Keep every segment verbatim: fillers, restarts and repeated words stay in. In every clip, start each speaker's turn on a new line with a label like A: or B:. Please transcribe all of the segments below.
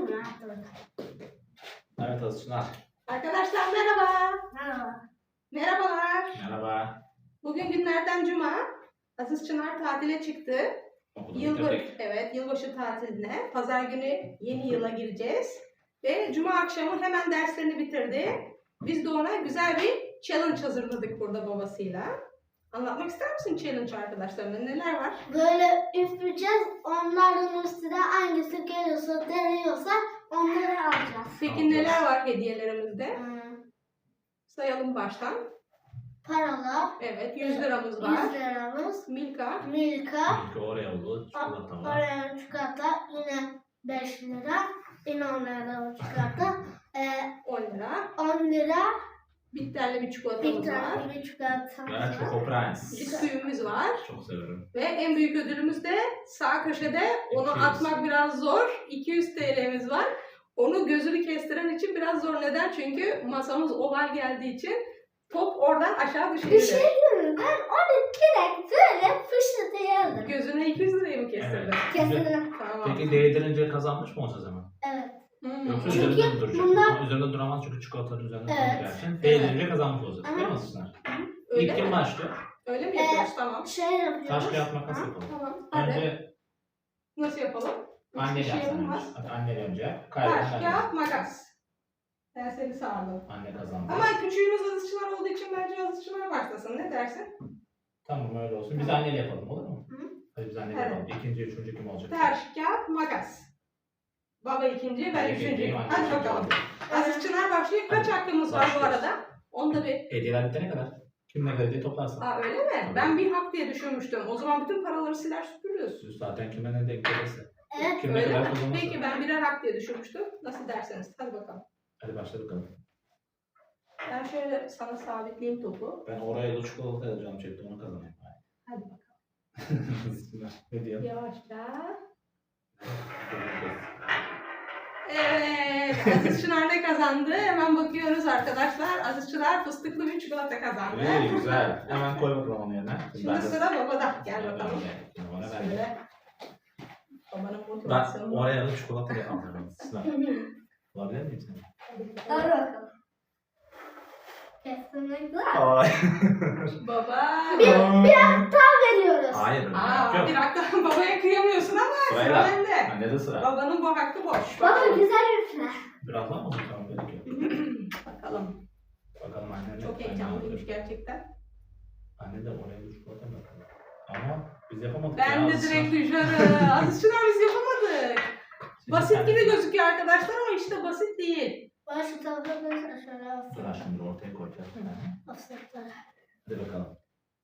A: Başlayalım ya.
B: Evet Azıçınar.
C: Arkadaşlar merhaba.
A: Merhaba.
C: Merhabalar.
B: Merhaba.
C: Bugün günlerden cuma. Aziz Çınar tatile çıktı.
B: Okulu
C: Yılbaşı,
B: bitirdik.
C: evet, yılbaşı tatiline. Pazar günü yeni yıla gireceğiz. Ve cuma akşamı hemen derslerini bitirdi. Biz de ona güzel bir challenge hazırladık burada babasıyla. Anlatmak ister misin challenge arkadaşlarına? Neler var?
A: Böyle üfleyeceğiz. Onlardan üstüne hangisi geliyorsa, deniyorsa onları alacağız.
C: Peki
B: Alacağız.
C: neler var hediyelerimizde?
A: Hmm,
C: Sayalım baştan.
A: paralar,
C: Evet, yüz liramız var.
A: yüz liramız,
C: Milka.
A: Milka,
B: İlk Oreo'lu çikolata var.
A: oraya çikolata, yine beş lira, yine on lira çikolata, ee,
C: on lira.
A: on lira,
C: Bitterli bir
A: bir
C: çikolatamız var.
A: tane bir çikolata
B: Ve
A: var.
B: Choco Prince.
C: Bisküvimiz var.
B: Çok severim.
C: Ve en büyük ödülümüz de sağ köşede. Onu
B: iki yüz.
C: atmak biraz zor. iki yüz T L'miz var. Onu gözünü kestiren için biraz zor. Neden? Çünkü masamız oval geldiği için top oradan aşağı
A: Bir
C: düşebilir.
A: şey diyeyim mi? Ben onu direkt böyle fışlatıyordum.
C: Gözüne iki yüz lirayı mı kestirdin?
B: Evet.
A: Kesinlikle.
C: Tamam.
B: Peki değdirince kazanmış mı olacağız hemen?
A: Evet.
C: Hmm.
B: Yoksa
A: Çünkü
B: üzerinde mi duracak?
A: bunlar-
B: Ama üzerinde duramaz çünkü çikolataların üzerinde
A: Evet.
B: duracağı için. Değdirince kazanmış olacağız.
A: Aha.
B: Değil mi Azıçınar?
C: Öyle
B: İlk kim
C: mi?
B: başlıyor?
C: Öyle mi
A: Ee,
C: yapıyoruz? Tamam.
A: Şey yapıyoruz.
B: Taş kağıt makas
A: Ha?
B: yapalım.
C: Tamam. Hadi.
B: Önce
C: Nasıl yapalım?
B: anne
C: Hiçbir şey
B: yapsın.
C: yapılmaz.
B: Hadi anne önce.
C: Taş,
B: Kaybeden
C: kağıt, makas. Ben seni sağladım.
B: Anne kazandı.
C: Ama küçüğümüz Aziz Çınar olduğu için bence Aziz Çınar başlasın. Ne dersin?
B: Tamam öyle olsun. Biz anneyle yapalım olur mu?
A: Hı.
B: Hadi biz anneyle
C: Evet.
B: yapalım. İkinci, üçüncü kim olacak?
C: Taş, kağıt, makas. Baba ikinci, ben
B: Ben
C: üçüncü.
B: ikinciyim, anne
C: Hadi
B: üçüncü
C: bakalım.
B: oldu.
C: Aziz Çınar başlıyor. Kaç
B: Hadi,
C: hakkımız var bu
B: başlıyoruz.
C: arada? Onda bir.
B: Hediyeler bitene kadar. Kim ne hediye toplarsın?
C: Aa öyle mi? Ben bir hak diye düşünmüştüm. O zaman bütün paraları siler süpürürüz.
B: Siz zaten kime ne denk gelirse.
A: Evet.
B: Kim ne
C: Öyle
B: kadar
C: mi?
B: kazanırsa.
C: Peki ben birer hak diye düşünmüştüm. Nasıl derseniz. Hadi bakalım.
B: Hadi başla bakalım.
C: Ben şöyle sana sabitleyeyim topu.
B: Ben oraya da çikolata alacağım çektim onu kazanayım.
C: Hadi bakalım.
B: Ne diyor?
C: Yavaşça. Evet. Aziz Çınar ne kazandı? Hemen bakıyoruz arkadaşlar. Aziz Çınar fıstıklı bir çikolata kazandı.
B: İyi güzel. Hemen koy bakalım onun yerine.
C: Şimdi sıra babada. Gel bakalım.
B: Şimdi bana ver.
C: Şöyle. Babanın
B: Ben
C: motivasyonu.
B: oraya da çikolata yapacağım. Sıra. Olabilir miyim seni?
A: Hadi bakalım. Kesinlikle.
B: Ay.
C: Baba.
A: Bir, bir hak daha veriyoruz.
B: Hayır. öyle
C: Aa,
B: yok.
C: bir dakika babaya kıyamıyorsun ama sıra
B: Sırayla.
C: bende.
B: Bende de sıra.
C: Babanın bu hakkı boş.
A: Baba
C: Bakalım.
A: güzel üfle.
B: Biraz daha mı olacak? Tamam gerek yok.
C: Bakalım.
B: Bakalım anne ne?
C: Çok
B: Anne
C: heyecanlıymış
B: alıyor.
C: gerçekten.
B: Anne de oraya da çikolata mı yapalım? Ama biz yapamadık.
C: Ben
B: ya.
C: de direkt düşarım. Aziz Çınar biz yapamadık.
B: Şimdi
C: Basit
B: sen-
C: gibi gözüküyor arkadaşlar ama işte basit değil.
A: Bana şu tarafa koysa şöyle
B: Dur
A: olsun.
B: şimdi ortaya koyacağız.
A: Asıklar.
B: Hadi bakalım.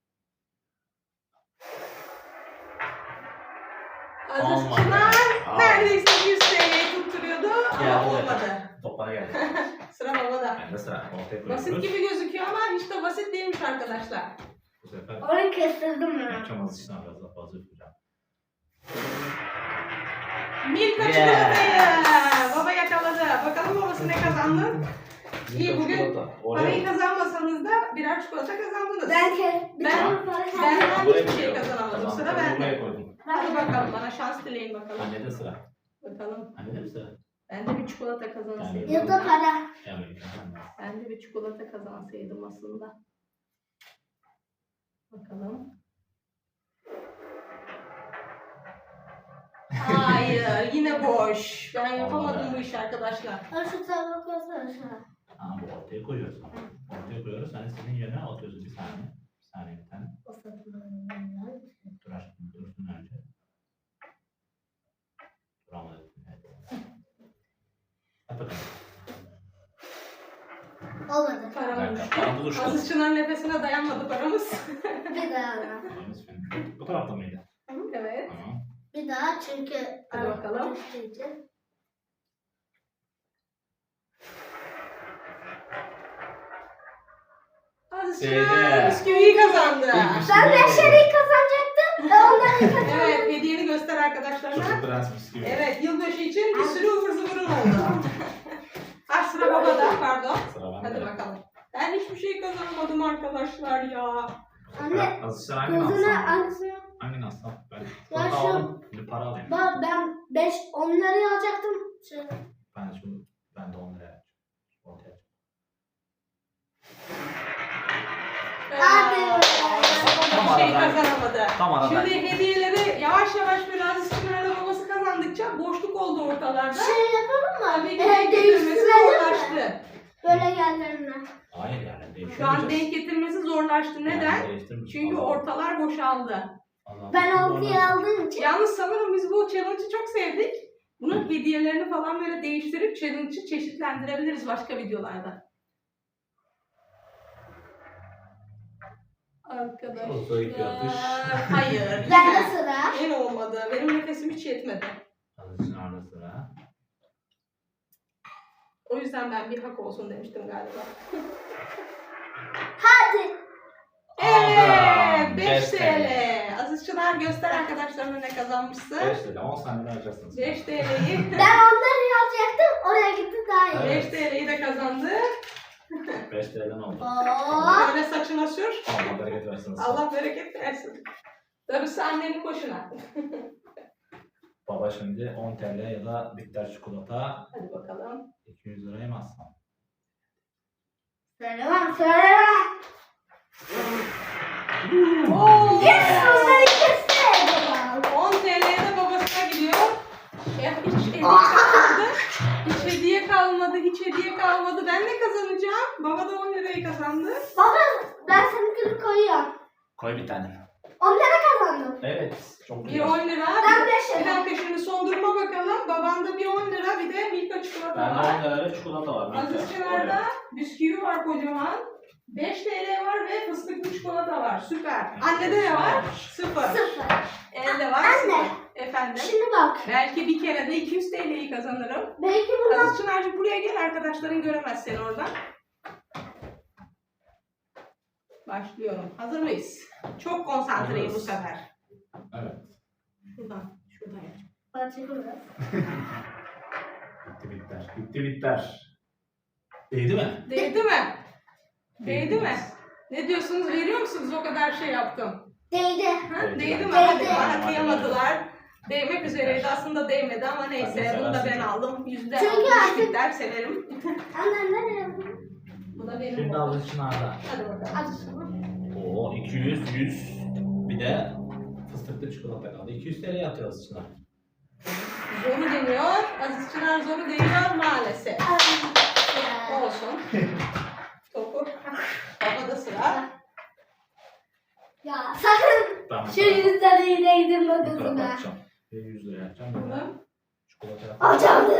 C: Aziz
B: Olmadı.
C: Çınar
B: Aa.
C: neredeyse yüz T L'yi tutturuyordu
B: Geldi
C: ama
B: buraya.
C: olmadı.
B: Toplara geldi.
C: Sıra babada.
B: Ben de sıra. Ortaya koyuyoruz.
C: Basit gibi gözüküyor ama hiç de basit değilmiş arkadaşlar.
B: Bu sefer
A: Onu kestirdim ben.
B: yapacağım az için biraz daha fazla yapacağım.
C: Milka
B: Yeah.
C: çikolatayı. Baba yakaladı. Bakalım babası ne kazandı? İyi, bugün Parayı kazanmasanız da birer çikolata kazandınız.
A: Ben ke bir
C: Ben-
A: tane para
C: ben-
A: kazandım.
C: ben hiçbir şey kazanamadım. Sıra bende.
B: Buraya koydum.
C: Hadi bakalım bana şans dileyin bakalım.
B: Anne de sıra.
C: Bakalım.
B: Anne de mi sıra?
C: Ben de bir çikolata kazansaydım.
A: Ya da para.
B: Yani anne.
C: Ben de bir çikolata kazansaydım aslında. Bakalım. Hayır, yine boş. Ben yapamadım bu işi arkadaşlar.
A: Ben şu tarafa koysana şuna.
B: Aa bu ortaya koyuyoruz. Ortaya koyuyoruz. Hani senin yerine atıyorsun bir saniye. Bir saniye bir tane.
A: O satın.
B: Dur aşkım dursun önce. Duramadık. Evet. Hadi bakalım.
A: Olmadı.
B: Bir
C: Paramız
B: dakika.
C: düştü.
B: Paramız uçtu.
C: Aziz Çınar nefesine dayanmadı paramız.
A: Bir daha.
B: Paramız fena. Bu tarafta mıydı?
C: Evet.
B: Tamam.
A: Bir daha çünkü.
C: Hadi bakalım.
A: Düştüğü
C: Aziz
B: Şeyde.
C: Çınar bisküviyi kazandı.
B: İlk
A: Ben beşeri kazanacaktım. Ve onları kazandım.
C: Evet, hediyeni göster arkadaşlarına.
B: Çocuk prens bisküvi.
C: Evet, yılbaşı için bir sürü ıvır zıvırın oldu. Ha sıra babada, pardon.
B: Sıra bende.
C: Hadi bakalım. Ben hiçbir şey kazanamadım arkadaşlar ya.
A: Anne.
B: Azıcık hangi
A: Gözüne
B: alsam?
A: hangisini?
B: Hangi alsam? Ben
A: Ya
B: çikolata
A: şu-
B: aldım. Şimdi para alayım.
A: Ben beş onları alacaktım. Şu
B: Tam arada.
C: Şimdi hediyeleri yavaş yavaş biraz Çınar'la babası kazandıkça boşluk oldu ortalarda.
A: Şey yapalım mı?
C: Tabii ki
A: Ee,
C: denk getirmesi
A: değiştirelim mi?
C: zorlaştı.
A: Böyle yerlerine.
B: Hayır yani değiştirmeyeceğiz.
C: Şu an denk getirmesi zorlaştı. Neden?
B: Yani değiştirmeyeceğiz.
C: Çünkü
B: Allah-
C: ortalar boşaldı.
B: Allah-
A: Ben
B: Allah-
A: altıya aldığım için.
C: Yalnız sanırım biz bu challenge'ı çok sevdik. Bunun hediyelerini falan böyle değiştirip challenge'ı çeşitlendirebiliriz başka videolarda. Arkadaşlar.
B: Olsa iki atış.
C: Hayır.
A: Ben de
C: yine.
A: sıra.
C: Yine olmadı. Benim nefesim hiç yetmedi.
B: Hadi Çınar'da sıra.
C: O yüzden ben bir hak olsun demiştim galiba.
A: Hadi.
C: Evet,
B: Aldım.
C: beş T L. Aziz Çınar göster arkadaşlarına ne kazanmışsın.
B: beş lira. on saniye alacaksınız.
C: beş T L'yi
A: Ben onları yazacaktım. Oraya gitti daha iyi.
B: Evet.
C: beş T L'yi de kazandı.
B: beş liradan oldu.
A: Oo.
C: Böyle saçına sür.
B: Allah bereket versin.
C: Allah bereket versin. Darısı annenin başına.
B: Baba şimdi on T L ya da bitter çikolata
C: Hadi bakalım.
B: iki yüz liraya mı alsam?
A: Söylemem, söylemem.
C: Oo!
A: Yes, onları kesti.
C: on T L'ye de babasına gidiyor. Ya hiç hediye kalmadı. Hiç hediye kalmadı. Hiç hediye kalmadı. Ben ne kazanacağım? Baba da on lirayı kazandı.
A: Baba, ben seninkini koyuyorum.
B: Koy bir tane.
A: on lira kazandım.
B: Evet. Çok
C: Bir
B: güzel.
C: on lira.
A: Ben beş
C: Bir
A: lira.
C: dakika şimdi son duruma bakalım. Babanda bir on lira bir de Milka çikolata
B: Bende
C: var.
B: on lira ve çikolata var.
C: Aziz Çınar'da bisküvi var kocaman. beş T L var ve fıstıklı çikolata var. Süper. Annede ne var? Sıfır.
A: Sıfır.
C: Elde var.
A: Anne.
C: Sıfır. Efendim.
A: Şimdi bak.
C: Belki bir kere de iki yüz T L'yi kazanırım.
A: Belki bundan
C: Aziz Çınar'cığım buraya gel, arkadaşların göremez seni oradan. Başlıyorum. Hazır mıyız? Çok konsantreyim bu
B: Hazırız.
C: sefer.
B: Evet.
C: Şuradan, şuradan yapacağım.
A: Açıklı.
B: Bitti bitter. Bitti bitter. Değdi mi?
C: Değdi mi? Değdi mi? Ne diyorsunuz? Veriyor musunuz? O kadar şey yaptım.
A: Değdi.
C: Ha?
B: Değdi
C: Değdi mi?
B: bence.
C: Hadi
A: Değdi.
C: bana kıyamadılar. Değmek üzereydi. Aslında değmedi ama
B: Hadi
C: neyse.
B: sen
C: Bunu da ben
B: seversin.
C: aldım. Yüzde
A: Çünkü
C: altmış
A: artık-
C: bitter severim.
A: Anne nereye yapıyorsun?
C: Bu da benim.
B: Şimdi
C: oldu.
B: Aziz Çınar'da.
C: Hadi bakalım.
A: Hadi sana.
B: Oo iki yüz, yüz. Bir de fıstıklı çikolata kaldı. iki yüz T L atıyor Aziz Çınar.
C: Zoru deniyor. Aziz Çınar zoru deniyor maalesef.
A: Ay,
C: Olsun. Topu. Babada sıra.
A: Ya sakın
B: Ben bu
A: şu
B: tarafa-
A: yüzden iyi değdim
B: bu tarafa
A: bakısına.
B: atacağım. Bir yüz liraya atacağım. Bir de
C: Bakalım.
B: çikolata yapacağım.
A: Alacağım.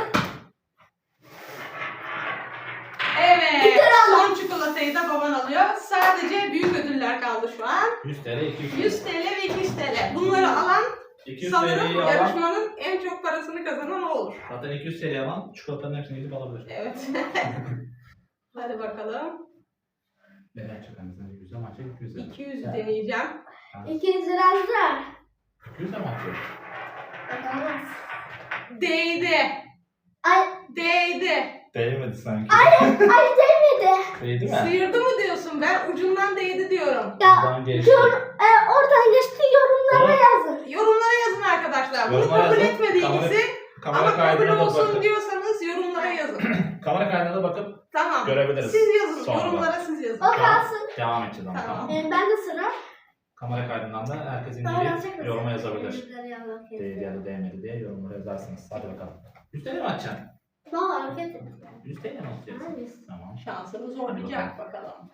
C: Evet. Son çikolatayı da baban alıyor. Sadece büyük ödüller kaldı şu an.
B: yüz T L, iki yüz T L.
C: yüz T L ve iki yüz T L. Bunları alan
B: iki yüz
C: sanırım
B: T L'yi alan,
C: yarışmanın en çok parasını kazanan o olur.
B: zaten iki yüz T L'yi alan çikolatanın hepsini gidip alabilir.
C: Evet. Hadi bakalım.
B: Ne yapacak annesine? yüz ama açacak iki yüz lira.
C: iki yüz deneyeceğim.
A: iki yüz lira hazır.
B: iki yüz de mi atıyor?
A: Bakalım.
C: Değdi.
A: Ay,
C: Değdi.
B: Değmedi sanki.
A: ay değmedi.
B: Değdi mi?
C: Sıyırdı mı diyorsun? Ben ucundan değdi diyorum.
A: Ya
B: Buradan geçti.
A: yor, e, oradan geçti yorumlara
B: Evet.
A: yazın.
C: Yorumlara yazın arkadaşlar. Bunu
B: Yorumlara
C: kabul
B: yazın.
C: etmediğinizi
B: Kamera
C: ama kabul
B: kaydına da
C: olsun
B: bakıp,
C: diyorsanız yorumlara yazın.
B: kamera kaydına da bakıp
C: Tamam.
B: görebiliriz.
C: Siz yazın.
B: Sonra.
C: Yorumlara siz yazın.
A: O kalsın.
B: Devam edeceğiz ama
C: Tamam.
B: tamam.
A: E, ben de sıra.
B: Kamera kaydından da herkes
A: Daha yazacak
B: indirip
A: mısın?
B: yoruma yazabilir.
A: Yüzleri yazmak
B: Değdi ya da değmedi diye yorumlara yazarsınız. Hadi bakalım. yüz T L mi atacaksın?
A: Valla hareket et.
B: yüz T L mi atacaksın?
A: Hangisi?
B: Tamam.
C: Şansını zorlayacak bakalım.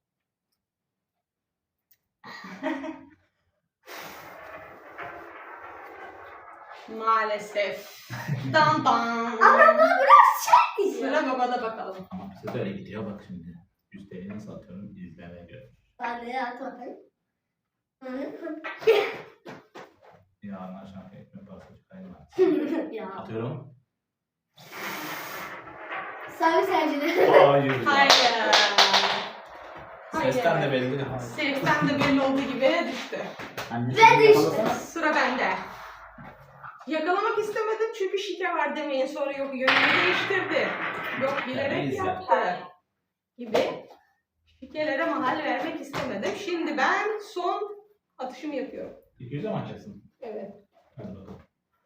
C: Maalesef. Dan dan.
A: Ama bu biraz şey gidiyor.
C: Sıra babada bakalım.
B: Ama bize de öyle gidiyor bak şimdi. yüz T L'yi nasıl atıyorum izlemeye göre.
A: Hadi at bakayım.
B: Yarın akşam ekmek parası çıkarayım.
A: Ya.
B: Atıyorum.
A: Sayın seyirciler.
B: Hayır.
C: Hayır.
B: Sesten de belli. Hayır.
C: Sesten de belli olduğu gibi düştü.
B: Anne,
A: Ve düştü.
B: yakalasana.
C: Sıra bende. Yakalamak istemedim çünkü şike var demeyin, sonra yok yönünü değiştirdi. Yok bilerek
B: Neyse.
C: yaptı. Gibi. Şikelere mahal vermek istemedim. Şimdi ben son atışımı yapıyorum.
B: iki yüze mi atacaksın?
C: Evet.
B: Hadi bakalım.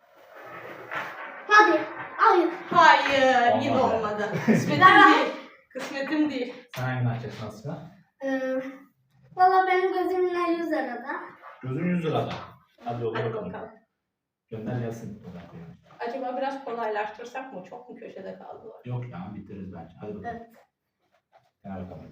A: Hadi. Hayır.
C: Hayır, yine
B: Olmadı.
C: olmadı. Kısmetim
A: Ben-
C: değil. Kısmetim değil.
B: Sen hangini atacaksın aslında?
A: Ee, Valla benim gözümle yüz arada.
B: Gözün yüz lirada. Hadi yolla
C: Hadi
B: bakalım.
C: bakalım.
B: Gönder gelsin.
C: Acaba biraz kolaylaştırsak mı? Çok mu köşede kaldılar?
B: Yok ya bitiririz bence. Hadi bakalım.
A: Evet.
B: Gel bakalım.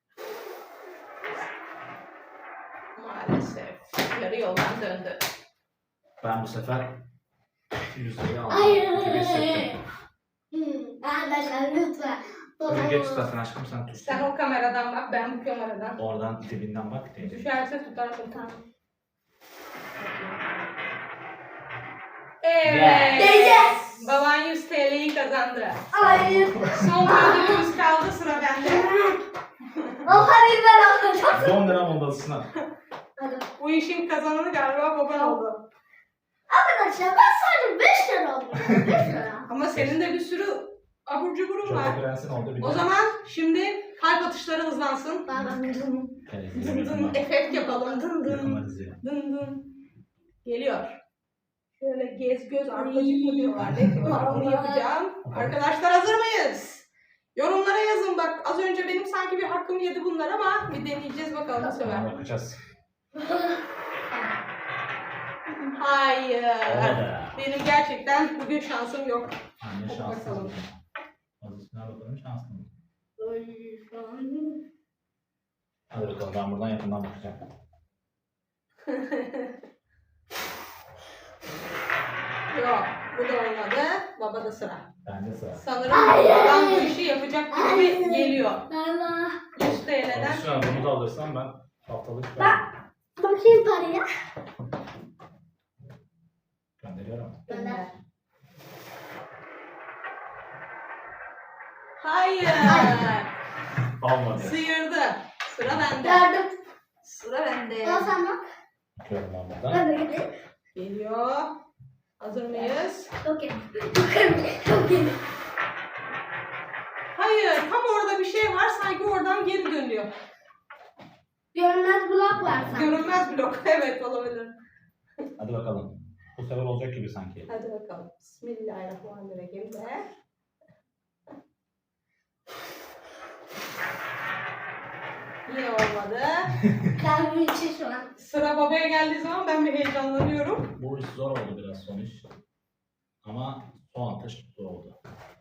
C: Maalesef. Yarı yoldan döndü.
B: Ben bu sefer yüz lirayı aldım.
A: Hayır.
B: gibi hissettim.
A: Hmm. Arkadaşlar lütfen.
B: Öyle geç tutasın aşkım sen tut.
C: Sen o kameradan bak, ben bu kameradan.
B: Oradan dibinden bak. teyze.
C: Düşerse tutarsın.
A: Tamam.
C: Evet.
A: Yes.
C: Baban yüz T L'yi kazandı.
A: Hayır.
C: Son bir ödülümüz kaldı, sıra bende.
A: O parayı ben alacağım.
B: on lira moldasına.
A: Hadi.
C: Bu işin kazananı galiba baban oldu.
A: Arkadaşlar ben sadece beş lira aldım. beş lira.
C: Ama senin de bir sürü abur cuburun var.
B: Çok prensin oldu bir
C: O
B: de.
C: zaman şimdi kalp atışları hızlansın.
A: Ben ben
C: Dın dın efekt yapalım. Dın dın.
B: Yakınlarız ya.
C: Dın dın. Geliyor. Şöyle gez göz arpacık mı diyorlar. Ne diyorlar onu yapacağım. Arkadaşlar hazır mıyız? Yorumlara yazın bak. Az önce benim sanki bir hakkım yedi bunlar ama bir deneyeceğiz bakalım bu sefer.
B: Tamam bakacağız.
C: Hayır.
B: Olmadı.
C: Benim gerçekten bugün şansım yok.
B: Anne
C: Hadi
B: şanslı.
C: bakalım.
B: Azıcına bakalım şanslı mı? Hadi bakalım ben buradan yakından bakacağım.
C: Yok. Bu da olmadı. Baba da sıra.
B: Bende sıra.
C: Sanırım
A: Hayır.
C: babam bu işi yapacak gibi
A: Hayır.
C: geliyor.
A: Allah.
C: yüz T L'den.
B: Alışveriş bunu da alırsam ben haftalık
A: Ben bakayım paraya.
B: gönderiyorum.
C: Gönder. Hayır.
B: Olmadı.
C: Sıyırdı. Sıra bende.
A: Gördüm.
C: Sıra bende.
A: Al sen bak.
B: Bakıyorum ben buradan.
A: Ben de gideyim.
C: Geliyor. Hazır mıyız?
A: Çok iyi. Çok iyi. Çok iyi.
C: Hayır. Tam orada bir şey var. Sanki oradan geri dönüyor.
A: Görünmez blok var sanki.
C: Görünmez blok. Evet olabilir.
B: Hadi bakalım. Bu sefer olacak gibi sanki.
C: Hadi bakalım. Bismillahirrahmanirrahim de. Yine olmadı.
A: Kalbim içi şu an.
C: Sıra babaya geldiği zaman ben bir heyecanlanıyorum.
B: Bu iş zor oldu biraz son iş. Ama son atış zor oldu.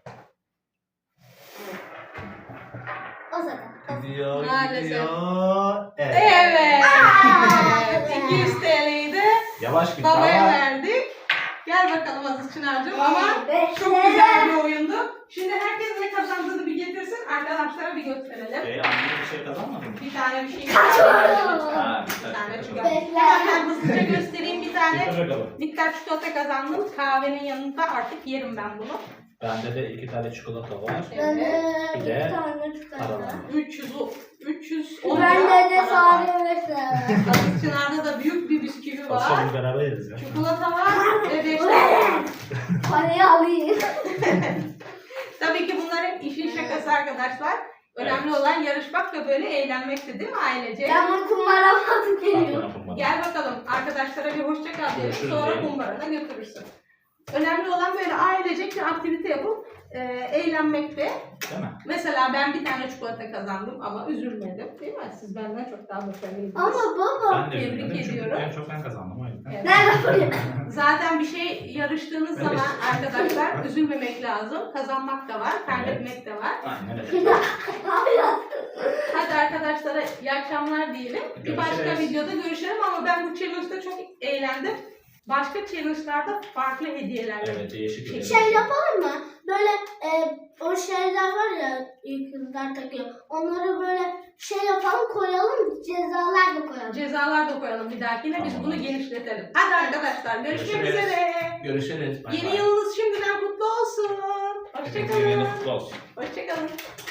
A: O zaman.
B: Gidiyor,
C: Maalesef.
B: gidiyor. Evet.
C: Evet.
A: Aa!
C: iki yüz T L'yi de
B: Yavaş git
C: babaya
B: ama.
C: verdik. Gel bakalım Aziz Çınar'cığım ama
A: Beş
C: çok
A: lira.
C: güzel bir oyundu. Şimdi herkes ne kazandığını bir getirsin. Arkadaşlara bir gösterelim.
B: Ee, anne bir şey kazanmadın mı?
C: Bir tane bir şey
A: Kaçıyorum.
B: Ha,
C: Bir
B: bir
C: tane
B: tane
C: çikolata.
A: Beş lira.
C: Hemen ben hızlıca göstereyim bir tane.
B: Getir bakalım.
C: Bitter çikolata kazandım. Kahvenin yanında artık yerim ben bunu.
B: Bende de iki tane çikolata var.
A: Ben de
B: Bir
A: bir
B: de
A: tane çikolata.
B: Paralar.
C: üç yüz üç yüz on
A: Ben de de
C: para var.
A: sadece beş lira.
C: Aziz Çınar'da da büyük bir bisküvi var.
B: Akşam beraber yeriz ya.
C: Çikolata var ve beş tane.
A: Parayı alayım.
C: Tabii ki bunlar hep işin şakası arkadaşlar. Önemli
B: Evet.
C: olan yarışmak ve böyle eğlenmekti değil mi ailece?
A: Ben bunu kumbaramazı geliyorum.
C: Gel bakalım arkadaşlara bir hoşça kal diyelim.
B: Görüşürüz
C: Sonra
B: diyelim.
C: kumbarana götürürsün. Önemli olan böyle ailecek bir aktivite yapıp e, eğlenmekte.
B: Değil mi?
C: Mesela ben bir tane çikolata kazandım ama üzülmedim. Değil mi? Siz benden çok daha başarılıydınız.
A: Ama baba.
B: Ben de
C: Tebrik
B: üzülmedim çünkü
C: ediyorum.
B: en çok ben kazandım o yüzden.
C: Evet.
A: Nerede parayı?
C: Zaten bir şey yarıştığınız
B: Evet.
C: zaman arkadaşlar üzülmemek lazım. Kazanmak da var, kaybetmek de var.
B: Aynen öyle.
A: Hayır.
C: Hadi arkadaşlara iyi akşamlar diyelim. Bir başka
B: Görüşürüz.
C: videoda görüşelim ama ben bu challenge'da çok eğlendim. Başka challenge'larda farklı hediyeler.
B: Evet değişik bir
A: Şey yapalım mı? Böyle e, o şeyler var ya ilk kızlar takıyor. Onları böyle şey yapalım koyalım cezalar da koyalım.
C: Cezalar da koyalım bir dahakine. Biz
B: Tamam.
C: bunu genişletelim. Hadi arkadaşlar görüşmek
B: Görüşürüz.
C: üzere.
B: Görüşürüz. Bay
C: Yeni
B: bay.
C: yılınız şimdiden kutlu olsun.
B: Hepinizin yeni
C: Hoşçakalın.
B: kutlu olsun.
C: Hoşçakalın.